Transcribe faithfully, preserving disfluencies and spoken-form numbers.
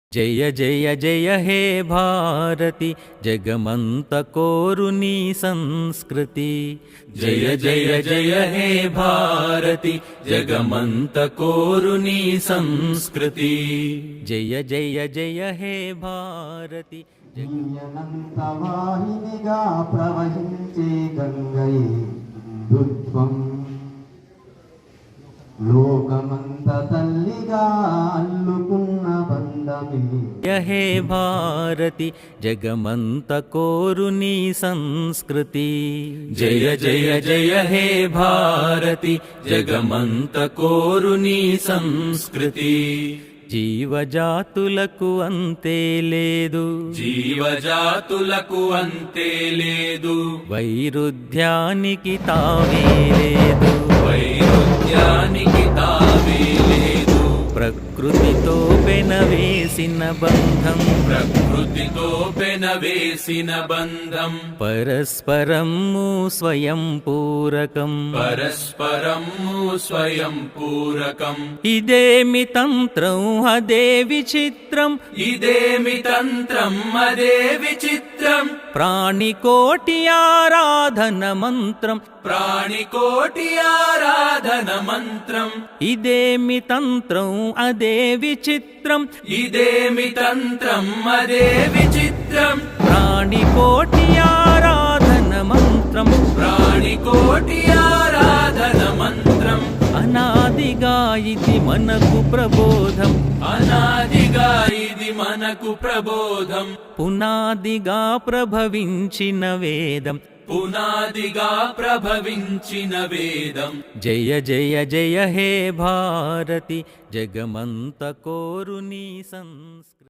जय जय जय हे भारती जगमंत कोरुनी संस्कृति। जय जय जय हे भारती जगमंत कोरुनी संस्कृति। जय जय जय हे भारती అనంతవాహినిగా ప్రవహించే గంగై దుత్వం లోకమంత తల్లిగా అల్లుకున్న బంధమే। जय हे भारती जगमंत कोरुनी संस्कृति। जय जय जय हे भारती जगमंत कोरुनी संस्कृति। జీవజాతులకు అంతే లేదు, జీవజాతులకు అంతే లేదు, వైరుధ్యానికి తావే లేదు, వైరుధ్యానికి తావే లేదు, ప్రకృతితో పెనవేసిన బంధం, ప్రకృతితో పెనవేసిన బంధం, పరస్పరము స్వయం పూరకం, పరస్పరము స్వయం పూరకం। ఇదేమి తంత్రం అదే విచిత్రం, ఇదేమి తంత్రం అదే విచిత్రం, ప్రాణికోటి ఆరాధన మంత్రం, ప్రాణికోటి ఆరాధన మంత్రం। ఇదేమి తంత్రం అదే విచిత్రం, ఇదేమి తంత్రం అదే విచిత్రం, ప్రాణికోటి ఆరాధన మంత్రం, ప్రాణికోటి ఆరాధన మంత్రం। అనాదిగా ఇది మనకు ప్రబోధం, అనాదిగా ఇది మనకు ప్రబోధం, పునాదిగా ప్రభవించిన వేదం, పునాదిగా ప్రభవించిన వేదం। జయ జయ జయ హే భారతి జగమంత కోరుని సంస్కృతి।